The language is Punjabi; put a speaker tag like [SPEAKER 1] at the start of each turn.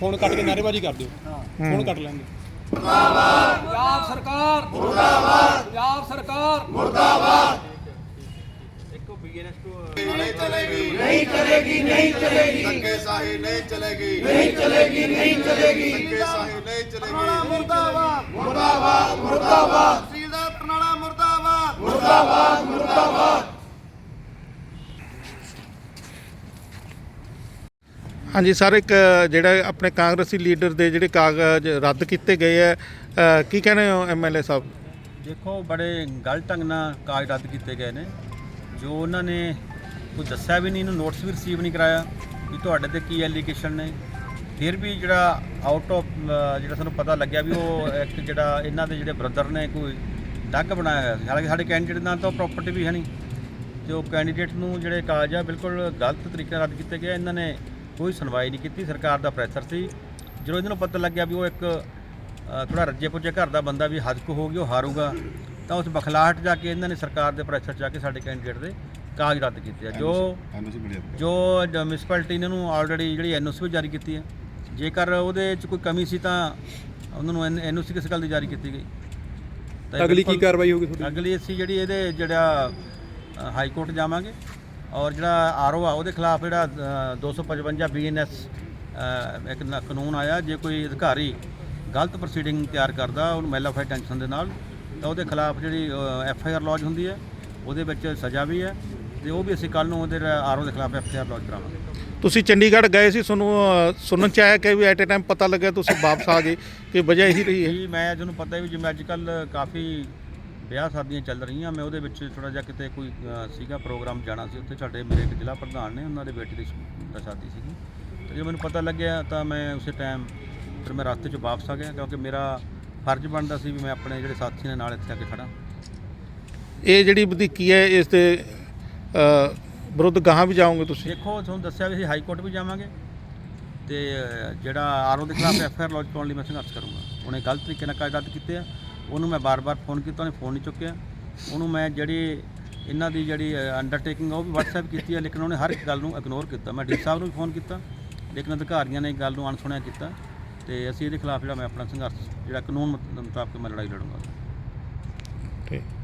[SPEAKER 1] फोन कट के नारेबाजी कर दो, फोन कट लेंगे।
[SPEAKER 2] पंजाब सरकार मुर्दाबाद, पंजाब सरकार मुर्दाबाद।
[SPEAKER 3] नहीं चलेगी, नहीं चलेगी, नहीं चलेगी, धक्केशाही नहीं चलेगी, नहीं चलेगी, नहीं चलेगी, धक्केशाही नहीं चलेगी। मुर्दाबाद, मुर्दाबाद, मुर्दाबाद, तहसीलदार बरनाला मुर्दाबाद, मुर्दाबाद, मुर्दाबाद।
[SPEAKER 4] हाँ जी सर, एक ਜਿਹੜਾ ਆਪਣੇ ਕਾਂਗਰਸੀ ਲੀਡਰ ਦੇ ਜਿਹੜੇ ਕਾਗਜ਼ ਰੱਦ ਕੀਤੇ ਗਏ ਹੈ, ਕੀ ਕਹਿੰਦੇ ਹੋ MLA ਸਾਹਿਬ?
[SPEAKER 5] ਦੇਖੋ, ਬੜੇ ਗਲਤ ਢੰਗ ਨਾਲ ਕਾਗਜ਼ ਰੱਦ ਕੀਤੇ ਗਏ ਨੇ। ਜੋ ਉਹਨਾਂ ਨੇ ਕੋਈ ਦੱਸਿਆ ਵੀ ਨਹੀਂ, ਇਹਨੂੰ ਨੋਟਿਸ ਵੀ ਰਿਸੀਵ ਨਹੀਂ ਕਰਾਇਆ ਵੀ ਤੁਹਾਡੇ ਤੇ ਕੀ ਐਲੀਗੇਸ਼ਨ ਨੇ। ਫਿਰ ਵੀ ਜਿਹੜਾ ਆਊਟ ਆਫ ਜਿਹੜਾ ਸਾਨੂੰ ਪਤਾ ਲੱਗਿਆ ਵੀ ਉਹ ਇੱਕ ਜਿਹੜਾ ਇਹਨਾਂ ਦੇ ਜਿਹੜੇ ਬ੍ਰਦਰ ਨੇ ਕੋਈ ਡੱਗ ਬਣਾਇਆ ਹੋਇਆ ਸੀ। ਹਾਲਾਂਕਿ ਸਾਡੇ ਕੈਂਡੀਡੇਟ ਨਾਲ ਤਾਂ ਪ੍ਰੋਪਰਟੀ ਵੀ ਹੈ ਨਹੀਂ, ਤੇ ਉਹ ਕੈਂਡੀਡੇਟ ਨੂੰ ਜਿਹੜੇ ਕਾਗਜ਼ ਆ ਬਿਲਕੁਲ ਗਲਤ ਤਰੀਕੇ ਨਾਲ ਰੱਦ ਕੀਤੇ ਗਏ। ਇਹਨਾਂ ਨੇ ਕੋਈ ਸੁਣਵਾਈ ਨਹੀਂ ਕੀਤੀ। ਸਰਕਾਰ ਦਾ ਪ੍ਰੈਸ਼ਰ ਸੀ। ਜਦੋਂ ਇਹਨਾਂ ਨੂੰ ਪਤਾ ਲੱਗਿਆ ਵੀ ਉਹ ਇੱਕ ਥੋੜਾ ਰੱਜੇ ਪੁੱਜੇ ਘਰ ਦਾ ਬੰਦਾ ਵੀ ਹੱਦ ਕੋ ਹੋ ਗਿਆ, ਉਹ ਹਾਰੂਗਾ, ਤਾਂ ਉਸ ਬਖਲਾਹਟ ਜਾ ਕੇ ਇਹਨਾਂ ਨੇ ਸਰਕਾਰ ਦੇ ਪ੍ਰੈਸ਼ਰ 'ਚ ਆ ਕੇ ਸਾਡੇ ਕੈਂਡੀਡੇਟ ਦੇ ਕਾਗਜ਼ ਰੱਦ ਕੀਤੇ ਆ। ਜੋ ਮਿਊਨਿਸਪੈਲਿਟੀ ਨੇ ਉਹਨੂੰ ਆਲਰੇਡੀ ਜਿਹੜੀ NOC ਵੀ ਜਾਰੀ ਕੀਤੀ ਹੈ। ਜੇਕਰ ਉਹਦੇ 'ਚ ਕੋਈ ਕਮੀ ਸੀ ਤਾਂ ਉਹਨਾਂ ਨੂੰ NOC ਕਿਸ ਗੱਲ ਦੀ ਜਾਰੀ ਕੀਤੀ ਗਈ? ਤਾਂ
[SPEAKER 1] ਅਗਲੀ ਕੀ ਕਾਰਵਾਈ ਹੋਊਗੀ ਤੁਹਾਡੀ?
[SPEAKER 5] ਅਗਲੀ ਅਸੀਂ ਜਿਹੜੀ ਇਹਦੇ ਜਿਹੜਾ ਹਾਈ ਕੋਰਟ ਜਾਵਾਂਗੇ, ਔਰ ਜਿਹੜਾ RO ਆ ਉਹਦੇ ਖਿਲਾਫ ਜਿਹੜਾ 255 BNS ਇੱਕ ਕਾਨੂੰਨ ਆਇਆ, ਜੇ ਕੋਈ ਅਧਿਕਾਰੀ ਗਲਤ ਪ੍ਰੋਸੀਡਿੰਗ ਤਿਆਰ ਕਰਦਾ ਉਹਨੂੰ ਮੈਲਾਫਾਈ ਟੈਂਸ਼ਨ ਦੇ ਨਾਲ, ਤਾਂ ਉਹਦੇ ਖਿਲਾਫ ਜਿਹੜੀ FIR ਲੌਜ ਹੁੰਦੀ ਹੈ, ਉਹਦੇ ਵਿੱਚ ਸਜ਼ਾ ਵੀ ਹੈ, ਤੇ ਉਹ ਵੀ ਅਸੀਂ ਕੱਲ੍ਹ ਨੂੰ ਉਹਦੇ RO ਦੇ ਖਿਲਾਫ FIR ਲੌਜ ਕਰਾਵਾਂਗੇ।
[SPEAKER 4] ਤੁਸੀਂ ਚੰਡੀਗੜ੍ਹ ਗਏ ਸੀ, ਤੁਹਾਨੂੰ ਸੁਣਨ 'ਚ ਆਇਆ ਕਿ ਵੀ ਐਟ ਏ ਟਾਈਮ ਪਤਾ ਲੱਗਿਆ ਤੁਸੀਂ ਵਾਪਸ ਆ ਗਏ, ਕਿ ਵਜ੍ਹਾ ਇਹੀ ਰਹੀ ਹੈ?
[SPEAKER 5] ਜੀ, ਮੈਂ ਤੁਹਾਨੂੰ ਪਤਾ ਵੀ ਜਿਵੇਂ ਅੱਜ ਕੱਲ੍ਹ ਕਾਫੀ ਵਿਆਹ ਸ਼ਾਦੀਆਂ ਚੱਲ ਰਹੀਆਂ, ਮੈਂ ਉਹਦੇ ਵਿੱਚ ਥੋੜ੍ਹਾ ਜਿਹਾ ਕਿਤੇ ਕੋਈ ਸੀਗਾ ਪ੍ਰੋਗਰਾਮ ਜਾਣਾ ਸੀ, ਉੱਥੇ ਸਾਡੇ ਮੇਰੇ ਇੱਕ ਜ਼ਿਲ੍ਹਾ ਪ੍ਰਧਾਨ ਨੇ, ਉਹਨਾਂ ਦੇ ਬੇਟੇ ਦੀ ਸ਼ਾਦੀ ਸੀਗੀ, ਅਤੇ ਜਦੋਂ ਮੈਨੂੰ ਪਤਾ ਲੱਗਿਆ ਤਾਂ ਮੈਂ ਉਸੇ ਟਾਈਮ ਫਿਰ ਮੈਂ ਰਸਤੇ 'ਚ ਵਾਪਸ ਆ ਗਿਆ, ਕਿਉਂਕਿ ਮੇਰਾ ਫਰਜ਼ ਬਣਦਾ ਸੀ ਵੀ ਮੈਂ ਆਪਣੇ ਜਿਹੜੇ ਸਾਥੀ ਨੇ ਨਾਲ ਇੱਥੇ ਆ ਕੇ ਖੜ੍ਹਾਂ।
[SPEAKER 4] ਇਹ ਜਿਹੜੀ ਵਧੀਕੀ ਹੈ, ਇਸ ਦੇ ਵਿਰੁੱਧ ਗਾਹਾਂ ਵੀ ਜਾਓਗੇ ਤੁਸੀਂ?
[SPEAKER 5] ਦੇਖੋ, ਤੁਹਾਨੂੰ ਦੱਸਿਆ ਵੀ ਅਸੀਂ ਹਾਈ ਕੋਰਟ ਵੀ ਜਾਵਾਂਗੇ, ਅਤੇ ਜਿਹੜਾ RO ਦੇ ਖਿਲਾਫ FIR ਲੌਜ ਪਾਉਣ ਲਈ ਮੈਂ ਸੰਘਰਸ਼ ਕਰੂੰਗਾ। ਉਹਨੇ ਗਲਤ ਤਰੀਕੇ ਨਾਲ ਕਾਗਜ਼ ਰੱਦ ਕੀਤੇ ਆ, ਉਹਨੂੰ ਮੈਂ ਬਾਰ-ਬਾਰ ਫੋਨ ਕੀਤਾ, ਉਹਨੇ ਫੋਨ ਨਹੀਂ ਚੁੱਕਿਆ। ਉਹਨੂੰ ਮੈਂ ਜਿਹੜੀ ਇਹਨਾਂ ਦੀ ਜਿਹੜੀ ਅੰਡਰਟੇਕਿੰਗ ਉਹ ਵੀ WhatsApp ਕੀਤੀ ਹੈ, ਲੇਕਿਨ ਉਹਨੇ ਹਰ ਇੱਕ ਗੱਲ ਨੂੰ ਇਗਨੋਰ ਕੀਤਾ। ਮੈਂ DC ਸਾਹਿਬ ਨੂੰ ਵੀ ਫੋਨ ਕੀਤਾ, ਲੇਕਿਨ ਅਧਿਕਾਰੀਆਂ ਨੇ ਗੱਲ ਨੂੰ ਅਣਸੁਣਿਆ ਕੀਤਾ, ਅਤੇ ਅਸੀਂ ਇਹਦੇ ਖਿਲਾਫ ਜਿਹੜਾ ਮੈਂ ਆਪਣਾ ਸੰਘਰਸ਼ ਜਿਹੜਾ ਕਾਨੂੰਨ ਮੁਤਾਬਕ ਮੈਂ ਲੜਾਈ ਲੜੂੰਗਾ।
[SPEAKER 4] ਠੀਕ।